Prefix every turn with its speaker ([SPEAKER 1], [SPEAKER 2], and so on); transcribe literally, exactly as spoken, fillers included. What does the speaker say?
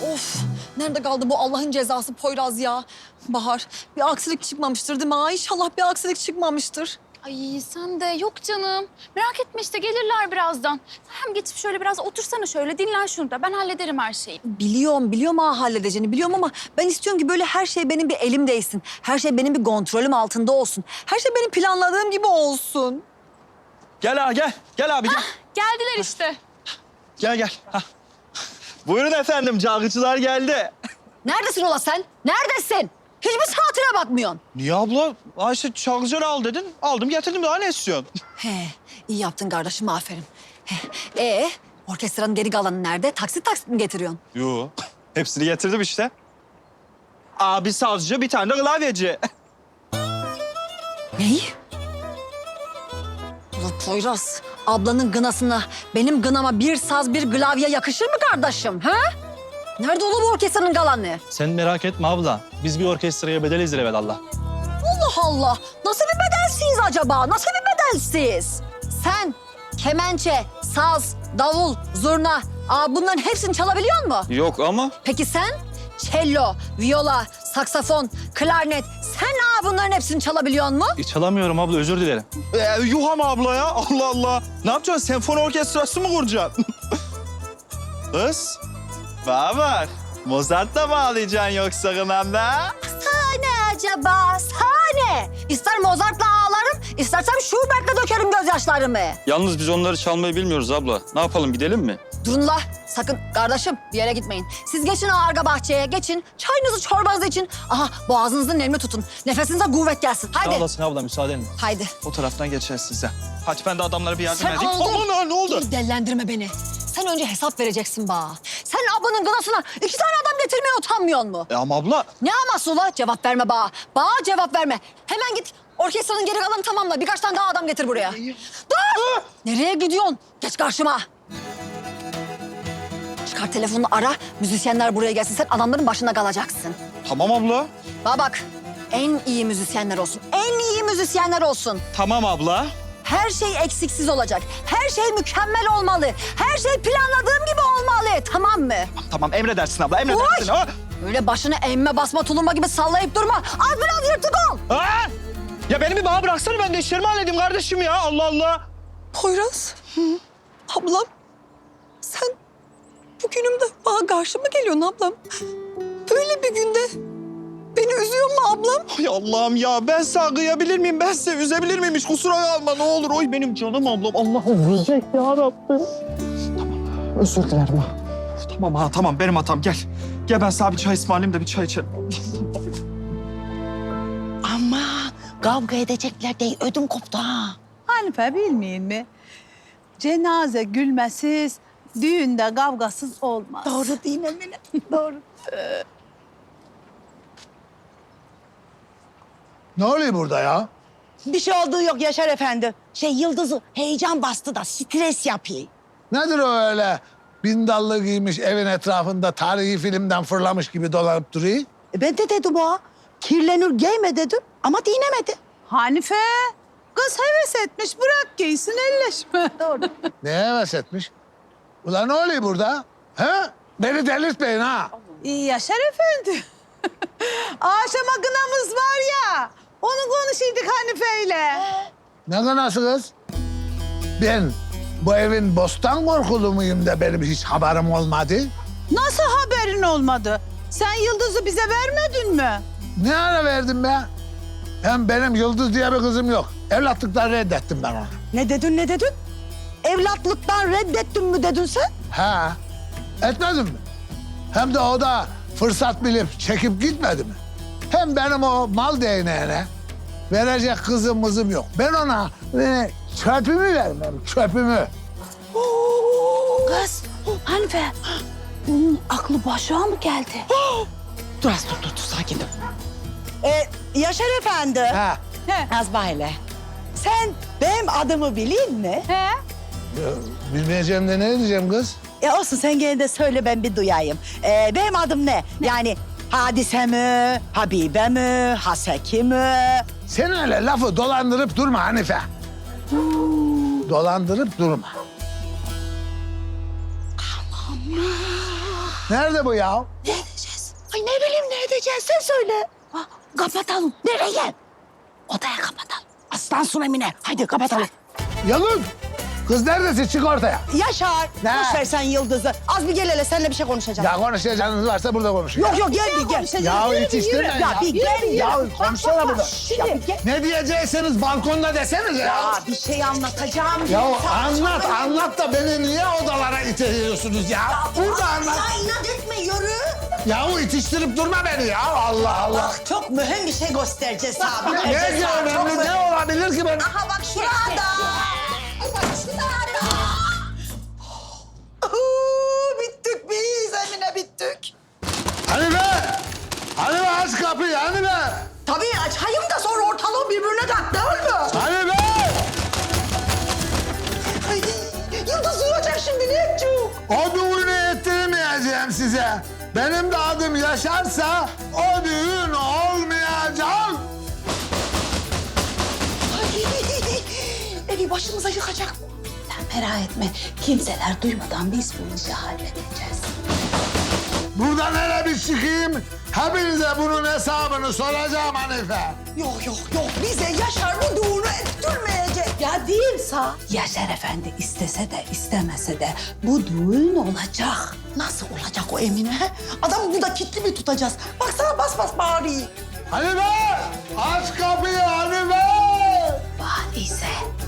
[SPEAKER 1] Of, nerede kaldı bu Allah'ın cezası Poyraz ya? Bahar, bir aksilik çıkmamıştır değil mi? Ha, İnşallah bir aksilik çıkmamıştır.
[SPEAKER 2] Ay sen de yok canım. Merak etme işte gelirler birazdan. Hem geçip şöyle biraz otursana şöyle dinlen şurada. Ben hallederim her şeyi.
[SPEAKER 1] Biliyorum, biliyorum ha halledeceğini biliyorum ama ben istiyorum ki böyle her şey benim bir elimdeysin. Her şey benim bir kontrolüm altında olsun. Her şey benim planladığım gibi olsun.
[SPEAKER 3] Gel abi gel. Gel abi gel.
[SPEAKER 2] Geldiler işte.
[SPEAKER 3] Gel gel. Hah. Buyurun efendim, çalgıcılar geldi.
[SPEAKER 1] Neredesin ola sen? Neredesin? Hiçbir saatine bakmıyorsun.
[SPEAKER 3] Niye abla? Ayşe çalgıcıları al dedin. Aldım getirdim, daha ne istiyorsun?
[SPEAKER 1] He, iyi yaptın kardeşim, aferin. He, ee, orkestranın geri kalanı nerede? Taksit taksit mi getiriyorsun?
[SPEAKER 3] Yo. Hepsini getirdim işte. Abi sazcı, bir tane de klavyeci.
[SPEAKER 1] Neyi? Ulan Poyraz, ablanın gınasına benim gınama bir saz bir klavye yakışır mı kardeşim? Ha? Nerede oğlum orkestranın kalanı?
[SPEAKER 4] Sen merak etme abla. Biz bir orkestraya bedeliz evelallah.
[SPEAKER 1] Allah Allah! Nasıl bir bedelsiz acaba? Nasıl bir bedelsiz? Sen kemençe, saz, davul, zurna, aa, bunların hepsini çalabiliyor musun?
[SPEAKER 3] Yok ama.
[SPEAKER 1] Peki sen? Cello, viola, saksafon, klarnet. Sen aa, bunların hepsini çalabiliyor musun?
[SPEAKER 4] E, çalamıyorum abla, özür dilerim.
[SPEAKER 3] Ee, yuh ama abla ya. Allah Allah. Ne yapacaksın? Senfoni orkestrası mı kuracaksın? Kız. Bana bak. Mozart da bağlayacaksın yoksa kınanda?
[SPEAKER 1] Sahne acaba? Sahne. İster Mozart'la ağlarım, istersem Schubert'le dökerim gözyaşlarımı.
[SPEAKER 5] Yalnız biz onları çalmayı bilmiyoruz abla. Ne yapalım, gidelim mi?
[SPEAKER 1] Durun la. Sakın kardeşim bir yere gitmeyin. Siz geçin o arka bahçeye, geçin. Çayınızı çorbanızı için. Aha boğazınızı nemli tutun. Nefesinize kuvvet gelsin.
[SPEAKER 4] Sağ
[SPEAKER 1] Haydi.
[SPEAKER 4] olasın abla, müsaadenle.
[SPEAKER 1] Haydi.
[SPEAKER 3] O taraftan geçersin sen. Hadi ben de adamlara bir yardım
[SPEAKER 1] Sen
[SPEAKER 3] edeyim.
[SPEAKER 1] aldın.
[SPEAKER 3] Aman ha, ne oldu?
[SPEAKER 1] Dur, dellendirme beni. Sen önce hesap vereceksin bana. Sen ablanın gınasına iki tane adam getirmeye utanmıyor mu?
[SPEAKER 3] E ama abla.
[SPEAKER 1] Ne aması ula? Cevap verme bana. Bana cevap verme. Hemen git orkestranın geri kalanını tamamla. Birkaç tane daha adam getir buraya. Dur! Nereye gidiyorsun? Geç karşıma. Çıkar telefonunu ara. Müzisyenler buraya gelsin. Sen adamların başında kalacaksın.
[SPEAKER 3] Tamam abla.
[SPEAKER 1] Bana bak. En iyi müzisyenler olsun. En iyi müzisyenler olsun.
[SPEAKER 3] Tamam abla.
[SPEAKER 1] Her şey eksiksiz olacak. Her şey mükemmel olmalı. Her şey planladığım gibi olmalı. Tamam mı?
[SPEAKER 3] Tamam emredersin abla, emredersin. Ha?
[SPEAKER 1] Öyle başını emme basma tulumba gibi sallayıp durma. Az biraz yırtık ol.
[SPEAKER 3] Ha? Ya beni bir bana bıraksana, ben de işlerimi halledeyim kardeşim ya. Allah Allah.
[SPEAKER 1] Poyraz. Ablam. Sen bugünümde bana karşı mı geliyorsun ablam? Böyle bir günde beni üzüyor mu ablam?
[SPEAKER 3] Ay Allah'ım ya, ben sana kıyabilir miyim? Ben size üzebilir miyim? Hiç kusura kalma ne olur. Oy benim canım ablam. Allah'ım üzecek ya Rabbim. Tamam, özür dilerim ha. Tamam ha, tamam benim hatam. Gel. Gel ben sana bir çay ısmarlayayım da bir çay içelim.
[SPEAKER 6] Ama kavga edecekler diye ödüm koptu ha.
[SPEAKER 7] Hanife bilmeyin mi? Cenaze gülmesiz, düğünde kavgasız olmaz.
[SPEAKER 6] Doğru değil mi Emine? Doğru.
[SPEAKER 8] Ne oluyor burada ya?
[SPEAKER 6] Bir şey olduğu yok Yaşar Efendi. Şey Yıldız'ı heyecan bastı da stres yapıyor.
[SPEAKER 8] Nedir o öyle bindallı giymiş evin etrafında tarihi filmden fırlamış gibi dolanıp duruyor?
[SPEAKER 6] E ben de dedim o. Kirlenir giyme dedim ama dinemedi.
[SPEAKER 7] Hanife, kız heves etmiş, bırak giysin, elleşme. Doğru.
[SPEAKER 8] Ne heves etmiş? Ulan ne oluyor burada? He? Beni delirtmeyin ha.
[SPEAKER 7] İyi Yaşar Efendi. Akşama kınamız var ya, onu konuşuyorduk Hanife'yle.
[SPEAKER 8] Ne kınası kız? Ben bu evin bostan korkulu muyum da benim hiç haberim olmadı?
[SPEAKER 7] Nasıl haberin olmadı? Sen Yıldız'ı bize vermedin mi?
[SPEAKER 8] Ne ara verdim be? Hem benim Yıldız diye bir kızım yok. Evlatlıktan reddettim ben onu.
[SPEAKER 6] Ne dedin ne dedin? Evlatlıktan reddettin mi dedin sen?
[SPEAKER 8] Ha, etmedim mi? Hem de o da fırsat bilip çekip gitmedi mi? Hem benim o mal değneğine verecek kızım mızım yok. Ben ona e, çöpümü vermem, çöpümü.
[SPEAKER 6] Kız, Hanife. Bunun aklı başına mı geldi? dur az dur, dur, dur sakin ol. Ee, Yaşar Efendi.
[SPEAKER 8] Ha,
[SPEAKER 6] Nazba hele. Sen benim adımı bileyim mi?
[SPEAKER 7] He?
[SPEAKER 8] ya, bilmeyeceğim de ne diyeceğim kız?
[SPEAKER 6] E olsun sen gene de söyle ben bir duyayım. Ee, benim adım ne? Yani Hadise mi, Habibe mi, Haseki mi?
[SPEAKER 8] Sen öyle lafı dolandırıp durma Hanife. Dolandırıp durma.
[SPEAKER 6] Aman.
[SPEAKER 8] Nerede bu ya?
[SPEAKER 6] Ne edeceğiz? Ay ne bileyim ne edeceğiz sen söyle. Ha, kapatalım. Nereye? Odaya kapatalım. Aslan Sun Emine. Haydi kapatalım.
[SPEAKER 8] Yalın. Kız neredesin? Çık ortaya.
[SPEAKER 7] Yaşar.
[SPEAKER 8] Ne?
[SPEAKER 7] Boş ver sen Yıldız'ı. Az bir gel hele seninle bir şey konuşacağım.
[SPEAKER 8] Ya konuşacağınız varsa burada konuşun.
[SPEAKER 7] Yok yok gel bir gel.
[SPEAKER 8] Ya yetiştirme ya.
[SPEAKER 7] Ya bir gel
[SPEAKER 8] Ya konuşsana burada.
[SPEAKER 7] Ya bir gel.
[SPEAKER 8] Ne diyeceksiniz balkonda desenize ya.
[SPEAKER 7] Ya bir şey anlatacağım.
[SPEAKER 8] Ya anlat anlat da beni niye odalara iteliyorsunuz ya? Burada anlat.
[SPEAKER 7] Ya inat etme yürü.
[SPEAKER 8] Yahu itiştirip durma beni ya. Allah Allah.
[SPEAKER 7] Bak çok mühim bir şey göstereceğiz abi.
[SPEAKER 8] Ne ki önemli ne olabilir ki ben?
[SPEAKER 7] Aha bak şurada. Bak şurada. Oo, bittik biz Emine bittik.
[SPEAKER 8] Hanife! Hanife aç kapıyı Hanife!
[SPEAKER 7] Tabii açayım da sonra ortalığı birbirine kat değil mi?
[SPEAKER 8] Hanife!
[SPEAKER 7] Ay, Yıldız duyacak şimdi ne edeceğim?
[SPEAKER 8] O düğünü ettirmeyeceğim size. Benim de adım Yaşarsa o düğün olmayacak.
[SPEAKER 6] Evi başımıza yıkacak mı? Sen merak etme. Kimseler duymadan biz bu işi halledeceğiz.
[SPEAKER 8] Buradan hele bir çıkayım. Hepinize bunun hesabını soracağım Hanife.
[SPEAKER 7] Yok yok yok bize Yaşar bu düğünü ettirmeyecek.
[SPEAKER 6] Ya değilse? Yaşar Efendi istese de istemese de bu düğün olacak.
[SPEAKER 7] Nasıl olacak o Emine? Adamı burada kilitli mi tutacağız? Baksana bas bas bağırıyor.
[SPEAKER 8] Hanife! Aç kapıyı Hanife!
[SPEAKER 6] Var ise